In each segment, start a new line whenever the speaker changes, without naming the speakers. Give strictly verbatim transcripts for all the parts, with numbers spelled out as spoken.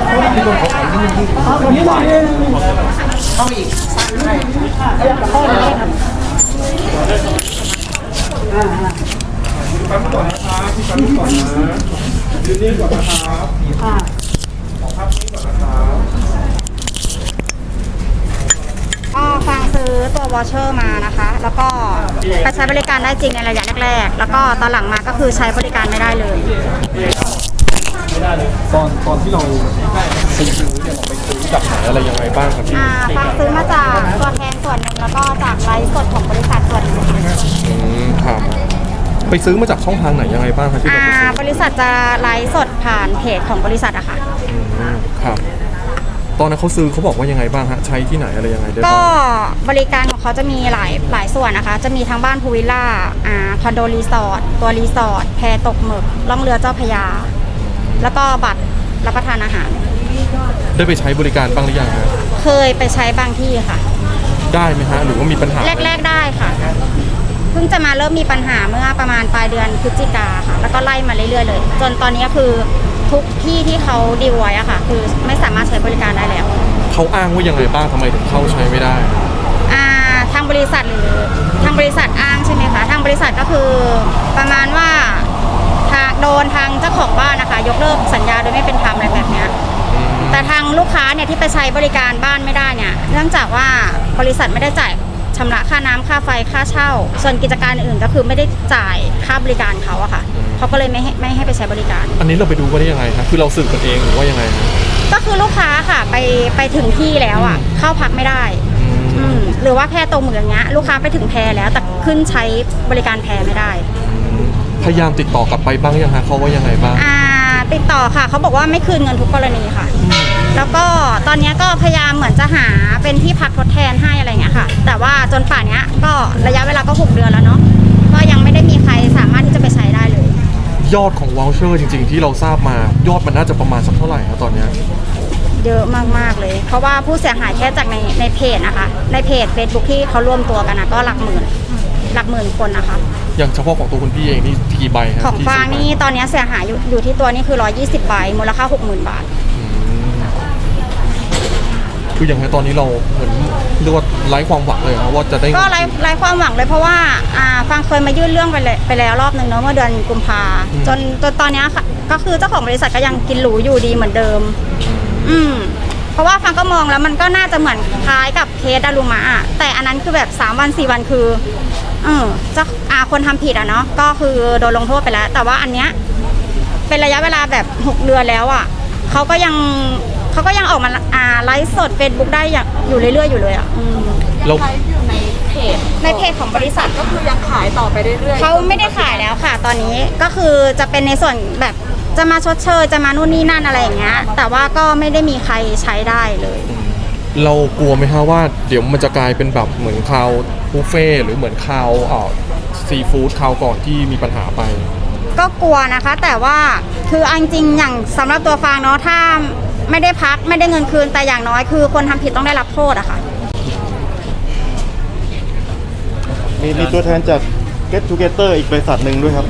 ที่คนเขาขายที่นี่ที่เข้าอีกปั๊มก่อนนะครับที่ปั๊มก่อนนะยืนนิ่งก่อนนะครับของภาพนี้ก่อนนะครับ
ก็ฟังซื้อตัววอชเชอร์มานะคะ แล้วก็ไปใช้บริการได้จริงในระยะแรกๆแล้วก็ตอนหลังมาก็คือใช้บริการไม่ได้เลย
ตอนตอนที่เราซื้อเนี่ยเราไปซื้อจากไหนอะไรยังไงบ้างครับพี่
อ่าฟังซื้อมาจากตัวแทนส่วนหนึ่งแล้วก็จากไลฟ์สดของบริษัทส่วนหนึ่ง
อืมครับไปซื้อมาจากช่องทางไหนยังไงบ้างครับที่เราไปซื้อบ
ริษัทจะไลฟ์สดผ่านเพจของบริษัทอะค่ะ
อืมครับตอนนั้นเขาซื้อเขาบอกว่ายังไงบ้างฮะใช้ที่ไหนอะไรยังไงได้บ้าง
ก็บริการของเขาจะมีหลายหลายส่วนนะคะจะมีทั้งบ้านพูวิลล่าอ่าคอนโดรีสอร์ทตัวรีสอร์ทแพตกหมึกล่องเรือเจ้าพระยาแล้วก็บัตรรับประทานอาหาร
ได้ไปใช้บริการบ้างหรือยังฮะ
เคยไปใช้บางที่ค่ะ
ได้ไหมฮะหรือว่ามีปัญหา
แรกๆได้ค่ะเพิ่งจะมาเริ่มมีปัญหาเมื่อประมาณปลายเดือนพฤศจิกาค่ะแล้วก็ไล่มาเรื่อยๆเลยจนตอนนี้คือทุกที่ที่เขาดีลไว้อะค่ะคือไม่สามารถใช้บริการได้แล้ว
เขาอ้างว่ายังไงบ้างทำไมถึงเข้าใช้ไม่ได้
อ่าทางบริษัทหรือทางบริษัทอ้างใช่ไหมคะทางบริษัทก็คือประมาณว่าทางโดนทางเจ้าของบ้านนะคะยกเลิกสัญญาโดยไม่เป็นธรรมอะไรแบบนี้แต่ทางลูกค้าเนี่ยที่ไปใช้บริการบ้านไม่ได้เนี่ยเนื่องจากว่าบริษัทไม่ได้จ่ายชำระค่าน้ำค่าไฟค่าเช่าส่วนกิจการอื่นก็คือไม่ได้จ่ายค่าบริการเขาอะค่ะเขาก็เลยไม่ให้ไม่ให้ไปใช้บริการ
อันนี้เราไปดูว่าได้ยังไงครับคือเราสืบกันเองหรือว่ายังไง
ก็คือลูกค้าค่ะไปไปถึงที่แล้วอะเข้าพักไม่ได้หรือว่าแพตรงเหมือนอย่างเงี้ยลูกค้าไปถึงแพแล้วแต่ขึ้นใช้บริการแพไม่ได้
พยายามติดต่อกลับไปบ้างยังฮะเขาว่ายังไงบ้าง
อ่าติดต่อค่ะเขาบอกว่าไม่คืนเงินทุกกรณีค่ะแล้วก็ตอนนี้ก็พยายามเหมือนจะหาเป็นที่พักทดแทนให้อะไรเงี้ยค่ะแต่ว่าจนป่านนี้ก็ระยะเวลาก็หกเดือนแล้วเนาะก็ยังไม่ได้มีใครสามารถที่จะไปใช้ได้เลย
ยอดของวอลเชอร์จริงๆที่เราทราบมายอดมันน่าจะประมาณสักเท่าไหร่ครับตอนนี้
เยอะมากๆเลยเพราะว่าผู้เสียหายแค่จากในในเพจนะคะในเพจ Facebook ที่เขาร่วมตัวกันนะก็หลักหมื่นหลักหมื่นคนนะคะ
อย่างเฉพาะของตัวคุณพี่เองนี่กี่ใบครับ
ของฟางนี่ตอนนี้เสียหายอยู่อยู่ที่ตัวนี่คือหนึ่งร้อยยี่สิบใบมูลค่า หกหมื่น บาท
คืออย่างไรตอนนี้เราเหมือนเรียกว่าไร้ความหวังเลยนะว่าจะได้
ก็ไร้ไร้ความหวังเลยเพราะว่าอ่าฟังเคยมายื่นเรื่องไปเลยไปแล้วรอบหนึ่งเนาะเมื่อเดือนกุมภาจนจนตอนนี้ค่ะก็คือเจ้าของบริษัทก็ยังกินหรูอยู่ดีเหมือนเดิมอืมเพราะว่าฟังก็มองแล้วมันก็น่าจะเหมือนคล้ายกับเคสดารุมะอ่ะแต่อันนั้นคือแบบสามวันสี่วันคือเออเจ้าอาคนทำผิดอ่ะเนาะก็คือโดนลงโทษไปแล้วแต่ว่าอันเนี้ยเป็นระยะเวลาแบบหกเดือนแล้วอ่ะเขาก็ยังเขาก็ยังออกมาอ่าไลฟ์สด Facebook ได้อย่างอยู่เรื่อยๆอยู่เลยอ่ะ
ยังไลฟ์อยู่ในเพจ
ในเพจของบริษัท
ก็คือยังขายต่อไปเรื่อยๆ
เขาไม่ได้ขายแล้วค่ะตอนนี้ก็คือจะเป็นในส่วนแบบจะมาชดเชยจะมานู่นนี่นั่นอะไรอย่างเงี้ยแต่ว่าก็ไม่ได้มีใครใช้ได้เลย
เรากลัวไหมฮะว่าเดี๋ยวมันจะกลายเป็นแบบเหมือนคาวบุฟเฟ่หรือเหมือนคาวอ่าซีฟู้ดคาวก่อนที่มีปัญหาไป
ก็กลัวนะคะแต่ว่าคือจริงๆอย่างสำหรับตัวฟางเนาะถ้าไม่ได้พักไม่ได้เงินคืนแต่อย่างน้อยคือคนทำผิดต้องได้รับโทษอะค่ะ
มีมีตัวแทนจาก Get Together อีกบริษัทหนึ่งด้วยครับ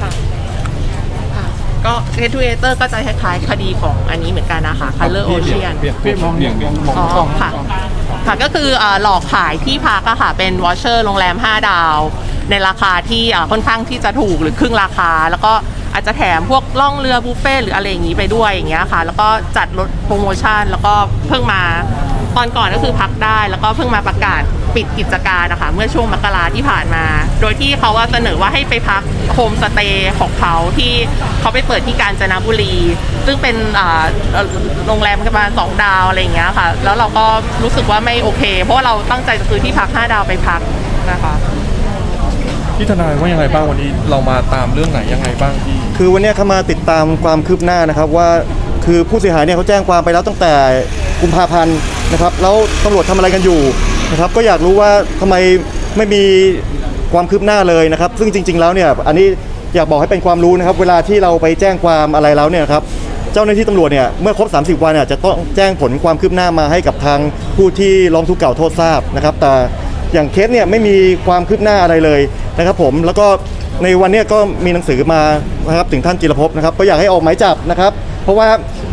ก็ Get Together ก็จะคล้ายๆคดีของอันนี้เหมือนกันนะคะ Color Ocean
เปลี่ยนเปลี่ยนมองเปลี่ยนเปลี่ยนมอง
อ๋อค่ะค่ะก็คือหลอกขายที่พักอะค่ะเป็นวอชเชอร์โรงแรมห้าดาวในราคาที่ค่อนข้างที่จะถูกหรือครึ่งราคาแล้วก็อาจจะแถมพวกล่องเรือบุฟเฟ่หรืออะไรอย่างนี้ไปด้วยอย่างเงี้ยค่ะแล้วก็จัดลดโปรโมชั่นแล้วก็เพิ่งมาตอนก่อนก็คือพักได้แล้วก็เพิ่งมาประกาศปิดกิจการนะคะเมื่อช่วงมกราที่ผ่านมาโดยที่เขาเสนอว่าให้ไปพักโฮมสเตย์ของเขาที่เขาไปเปิดที่กาญจนบุรีซึ่งเป็นโรงแรมประมาณสองดาวอะไรอย่างเงี้ยค่ะแล้วเราก็รู้สึกว่าไม่โอเคเพราะว่าเราตั้งใจจะซื้อที่พักห้าดาวไปพักนะคะ
พี่ทนายว่ายังไงบ้างวันนี้เรามาตามเรื่องไหนยังไงบ้างพี่
คือวันนี้เขามาติดตามความคืบหน้านะครับว่าคือผู้เสียหายเนี่ยเขาแจ้งความไปแล้วตั้งแต่กุมภาพันธ์นะครับแล้วตำรวจทำอะไรกันอยู่นะครับก็อยากรู้ว่าทำไมไม่มีความคืบหน้าเลยนะครับซึ่งจริงๆแล้วเนี่ยอันนี้อยากบอกให้เป็นความรู้นะครับเวลาที่เราไปแจ้งความอะไรแล้วเนี่ยครับเจ้าหน้าที่ตำรวจเนี่ยเมื่อครบสามสิบวันเนี่ยจะต้องแจ้งผลความคืบหน้ามาให้กับทางผู้ที่ร้องทุกข์กล่าวโทษทราบนะครับแต่อย่างเคสเนี่ยไม่มีความคืบหน้าอะไรเลยนะครับผมแล้วก็ในวันนี้ก็มีหนังสือมานะครับถึงท่านจิรภพนะครับก็อยากให้ออกหมายจับนะครับเพราะว่า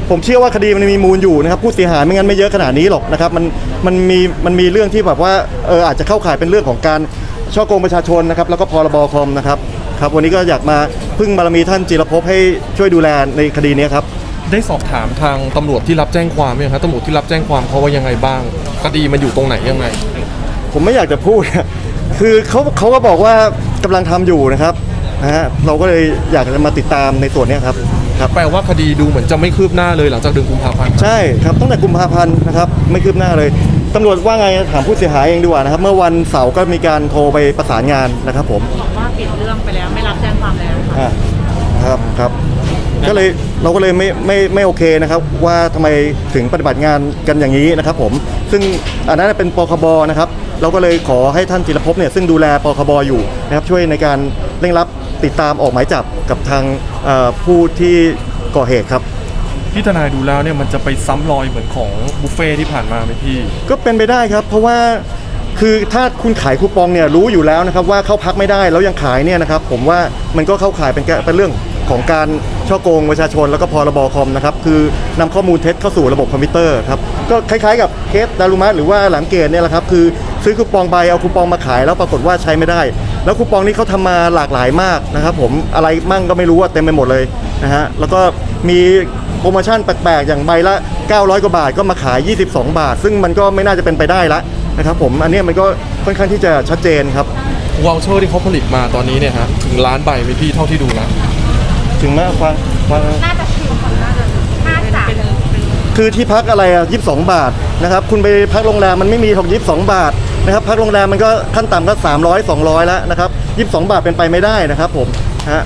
ผมเชื่อว่าคดีมันมีมูลอยู่นะครับผู้เสียหายไม่งั้นไม่เยอะขนาดนี้หรอกนะครับมันมันมีมันมีเรื่องที่แบบว่าเอออาจจะเข้าข่ายเป็นเรื่องของการช่อโกงประชาชนนะครับแล้วก็พรบคอมนะครับครับวันนี้ก็อยากมาพึ่งบารมีท่านจิรภพให้ช่วยดูแลในคดีนี้ครับ
ได้สอบถามทางตำรวจที่รับแจ้งความไหมครับตำรวจที่รับแจ้งความเขาว่ายังไงบ้างคดีมันอยู่ตรงไหนยังไง
ผมไม่อยากจะพูด คือเขาเขาก็บอกว่ากำลังทำอยู่นะครับนะฮะเราก็เลยอยากจะมาติดตามในส่วนนี้ครับครับ
แปลว่าคดีดูเหมือนจะไม่คืบหน้าเลยหลังจากเดือนกุมภาพันธ์
ใช่ครับตั้งแต่กุมภาพันธ์นะครับไม่คืบหน้าเลยตำรวจว่าไงถามผู้เสียหายเองดีกว่านะครับเมื่อวันเสาร์ก็มีการโทรไปประสานงานนะครับผม
บอกว่าปิดเรื่องไปแล้วไม่รับแจ้งความแล้วค่ะ
อ่าครับครับก็เลยเราก็เลยไม่ไม่ไม่โอเคนะครับว่าทำไมถึงปฏิบัติงานกันอย่างนี้นะครับผมซึ่งอันนั้นเป็นปคบนะครับเราก็เลยขอให้ท่านจิรภพเนี่ยซึ่งดูแลปคบอยู่นะครับช่วยในการเร่งรัดติดตามออกหมายจับกับทางเอ่อผู้ที่ก่อเหตุครับ
พี่ทนายดูแล้วเนี่ยมันจะไปซ้ำรอยเหมือนของบุฟเฟ่ที่ผ่านมาไหมพี่
ก็เป็นไปได้ครับเพราะว่าคือถ้าคุณขายคูปองเนี่ยรู้อยู่แล้วนะครับว่าเข้าพักไม่ได้แล้วยังขายเนี่ยนะครับผมว่ามันก็เข้าขายเป็นแกเป็นเรื่องของการช่อโกงประชาชนแล้วก็พรบคอมนะครับคือนำข้อมูลเท็จเข้าสู่ระบบคอมพิวเตอร์ครับก็คล้ายๆกับเคสดารุมะหรือว่าหลังเกตเนี่ยแหละครับคือซื้อคูปองใบเอาคูปองมาขายแล้วปรากฏว่าใช้ไม่ได้ แล้วคูปองนี้เขาทำมาหลากหลายมากนะครับผมอะไรมั่งก็ไม่รู้ว่าเต็มไปหมดเลยนะฮะแล้วก็มีโปรโมชั่นแปลกๆอย่างใบละเก้าร้อยกว่าบาทก็มาขายยี่สิบสองบาทซึ่งมันก็ไม่น่าจะเป็นไปได้ละนะครับผมอันนี้มันก็ค่อนข้างที่จะชัดเจนครับ
วอลเชอร์ที่เขาผลิตมาตอนนี้เนี่ยฮะถึงล้านใบไหมพี่เท่าที่ดูแล้ว
ถึงแม้ฟังฟัง
น่าจะถึงน่าจะน่าจะ
คือที่พักอะไรอ่ะยี่สิบสองบาทนะครับคุณไปพักโรงแรมมันไม่มีของยี่สิบสองบาทนะครับพักโรงแรมมันก็ขั้นต่ำก็สามร้อย สองร้อยแล้วนะครับยี่สิบสองบาทเป็นไปไม่ได้นะครับผมฮะ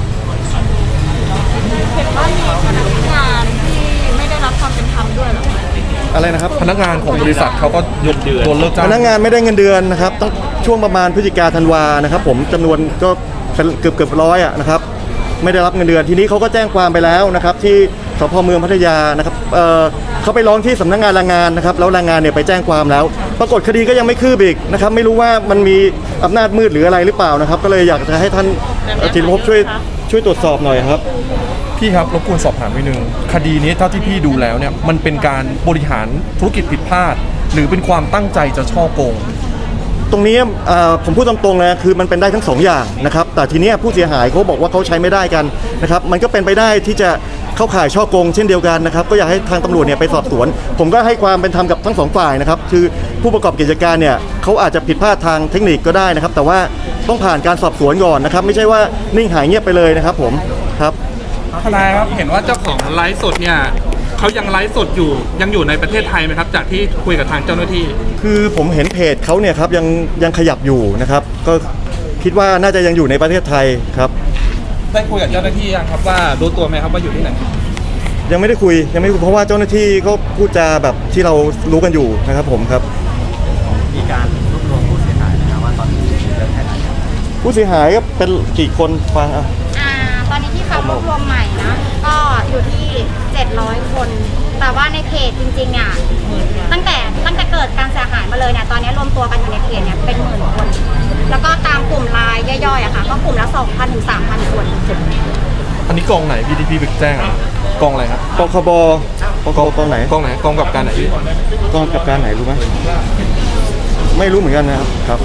เห็นว่ามีพนักงานที่ไม่ได้รับความเป็นธรรมด้วยเหรอ
อะไรนะครับ
พนักงานของบริษัทเขาก็ยกโดนเลิกจ้าง
พนักงานไม่ได้เงินเดือนนะครับต้องช่วงประมาณพฤศจิกาธันวานะครับผมจำนวนก็เป็นเกือบเกือบร้อยอ่ะนะครับไม่ได้รับเงินเดือนทีนี้เขาก็แจ้งความไปแล้วนะครับที่สพเมืองพัทยานะครับเอ่อเขาไปร้องที่สำนักงานแรงงานนะครับแล้วแรงงานเนี่ยไปแจ้งความแล้ว ปรากฏคดีก็ยังไม่คืบอีกนะครับไม่รู้ว่ามันมีอำนาจมืดหรืออะไรหรือเปล่านะครับก็เลยอยากจะให้ท่านจิรภพช่วยช่วยตรวจสอบหน่อยครับ
พี่ครับรบกวนสอบถามนิดนึงคดีนี้เท่าที่พี่ดูแล้วเนี่ยมันเป็นการบริหารธุรกิจผิดพลาด หรือเป็นความตั้งใจจะช่อโกง
ตรงนี้เอ่อผมพูดตรงๆเลยคือมันเป็นได้ทั้งสองอย่างนะครับแต่ทีเนี้ยผู้เสียหายเขาบอกว่าเขาใช้ไม่ได้กันนะครับมันก็เป็นไปได้ที่จะเข้าข่ายช่อโกงเช่นเดียวกันนะครับก็อยากให้ทางตำรวจเนี่ยไปสอบสวน ผมก็ให้ความเป็นธรรมกับทั้งสองฝ่ายนะครับคือผู้ประกอบกิจการเนี่ยเขาอาจจะผิดพลาดทางเทคนิคก็ได้นะครับแต่ว่าต้องผ่านการสอบสวนก่อนนะครับไม่ใช่ว่านิ่งหายเงียบไปเลยนะครับผมครับ
ทนายครับเห็นว่าเจ้าของไลฟ์สดเนี่ยเขายังไลฟ์สดอยู่ยังอยู่ในประเทศไทยไหมครับจากที่คุยกับทางเจ้าหน้าที่
คือผมเห็นเพจเขาเนี่ยครับยังยังขยับอยู่นะครับก็คิดว่าน่าจะยังอยู่ในประเทศไทยครับ
ได้คุยกับเจ้าหน้าที่ยังครับว่ารู้ตัวไหมครับว่าอยู่ที่ไหน
ยังไม่ได้คุยยังไม่ได้คุยเพราะว่าเจ้าหน้าที่ก็พูดจาแบบที่เรารู้กันอยู่นะครับผมครับ
มีการรวบรวมผู้เสียหายนะครับว่าตอนนี้เยอะแค่ไหนครับ
ผู้เสียหายก็เป็นกี่คนฟังอ่ะ
อ่าตอนนี้ที่เขารวบรวมใหม่นะ ก็อยู่ที่เจ็ดร้อยคน แต่ว่าในเพจจริงๆอ่ะตั้งแต่ตั้งแต่เกิดการเสียหายมาเลยเนี่ยตอนนี้รวมตัวกันอยู่ในเพจเนี่ยเป็นหมื่นคน แล้วก็ตามกลุ่มไลน์ย่อยๆอะค่ะก็กลุ่มละ สองพัน ถึง สามพัน คน
อันนี้กองไหนพี่ที่พี่ไปแจ้งอะกองอะไรครับ
ปคบปคบกองไหน
กองไหนกองกับการไหนพี่
กองกับการไหนรู้ไหมไม่รู้เหมือนกันนะครับครับ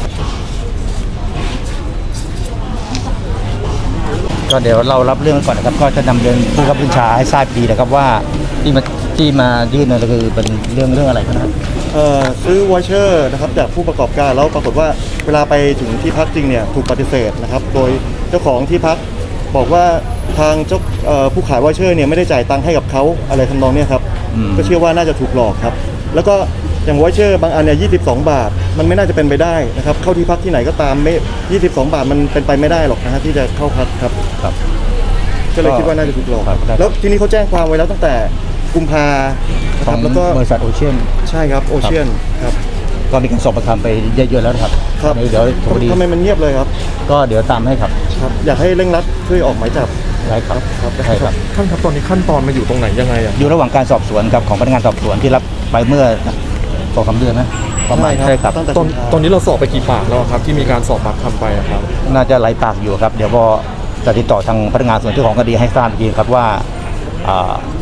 ก็เดี๋ยวเรารับเรื่องไว้ก่อนนะครับก็จะนำเรียนผู้บังคับบัญชาให้ทราบดีนะครับว่าที่มาที่มายื่นเนี่ยก็คือเป็นเรื่องเรื่องอะไรกันนะครับ
เอ่อซื้อวอเชอร์นะครับจากผู้ประกอบการแล้วปรากฏว่าเวลาไปถึงที่พักจริงเนี่ยถูกปฏิเสธนะครับโดยเจ้าของที่พักบอกว่าทางเจ้าเอ่อผู้ขายวอเชอร์เนี่ยไม่ได้จ่ายตังค์ให้กับเขาอะไรทำนองเนี้ยครับก็เชื่อว่าน่าจะถูกหลอกครับแล้วก็อย่างวอเชอร์บางอันเนี่ยยี่สิบสองบาทมันไม่น่าจะเป็นไปได้นะครับเข้าที่พักที่ไหนก็ตามไม่ยี่สิบสองบาทมันเป็นไปไม่ได้หรอกนะฮะที่จะเข้าพักครับ
ครับ
ก็เลยคิดว่าน่าจะถูกหลอก
ครับได้
แล้วทีนี้เขาแจ้งความไว้แล้วตั้งแต่กุมภานะ
ข
ค
อ
รั
ง
บแล้วก็
บริษัทโอเชียน
ใช่ครับโอเชียนครับ
ก็มีการสอบประคำไปเยอะๆแล้วนะครับ
ครับ
เดี๋ยวพอดี
ทำไมมันเงียบเลยครับ
ก็เดี๋ยวตามให้ครับ
ครับอยากให้เร่งรัดช่วยออกหมายจับ
ได้ครับ
ครับ
ใช่ครับ
ท่านครับตอนนี้ขั้นตอนมาอยู่ตรงไหนยังไงอะ
อยู่ระหว่างการสอบสวนครับของพนักงานสอบสวนที่รับไปเมื่อสองสามเดือนนะประมาณใช่ครับ
ตั้งแต่
ตอน
กุมภา
ตอนนี้เราสอบไปกี่ปากแล้วอะครับที่มีการสอบปากคำไปอะครับ
น่าจะไหลปากอยู่ครับ เดี๋ยวพอจะติดต่อทางพนักงานส่วนเจ้าของคดีให้ทราบอีกทีครับว่าอ่า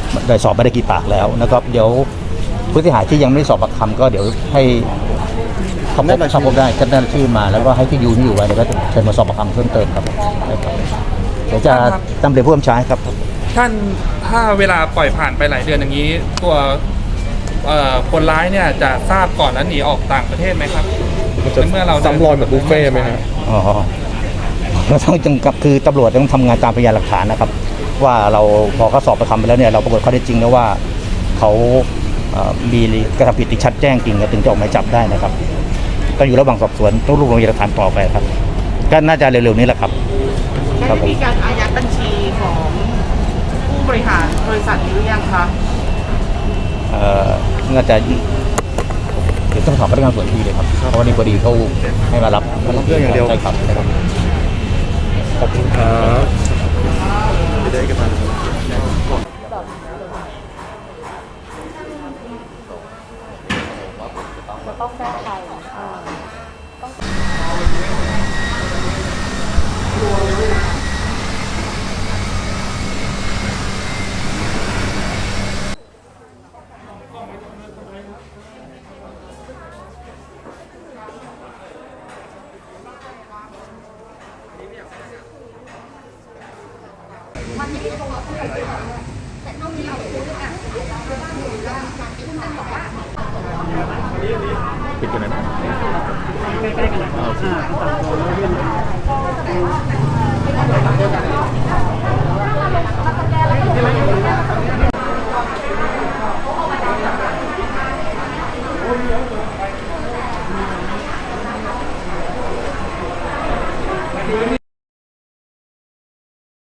ได้สอบไม่ได้กี่ปากแล้วนะครับเดี๋ยวผู้เสียหายที่ยังไม่ได้สอบปากคำก็เดี๋ยวให้เขาพบเขาพบได้จะได้ชื่อมาแล้วก็ให้ที่อยู่นี่อยู่ไว้แล้วก็เชิญมาสอบปากคำเพิ่มเติมครับได้ครับเดี๋ยวจะนำเรียนผู้บัญชาครับ
ท่านถ้าเวลาปล่อยผ่านไปหลายเดือนอย่างนี้ ตัวเอ่อคนร้ายเนี่ยจะทราบก่อนแล้วหนีออกต่างประเทศไหมครับ
มันจะ
เมื่อเรา
ซ้ำรอยเหมือนบุฟเฟ่ต์ไหมฮะ
อ๋อเราต้องจังกับคือตำรวจต้องทำงานตามพยานหลักฐานนะครับ ว่าเราพอเขาสอบไปคำไปแล้วเนี่ยเราปรากฏข้อเท็จจริงแล้วว่าเขาเอ่อมีกระทำผิดที่ชัดแจ้งจริงถึงจะออกหมายจับได้นะครับก็อยู่ระหว่างสอบสวนต้องรวบรวมพยานหลักฐานต่อไปครับก็น่าจะเร็วๆนี้แหละครับ
ได้มีการอายัดบัญชีของผู้บริหารบริษัทนี้หรือยังคะ
เอ่อน่าจะเดี๋ยวต้องถามพนักงานส่วนที่เลยครับเพราะว่านี่พอดีเขาให้มารับ
มารับเรื่องอย่างเดียว
ใช่ครับใช่ครับ
ขอบคุณครับ
ไม่ได้กันมา
ปิดกันนะ
เ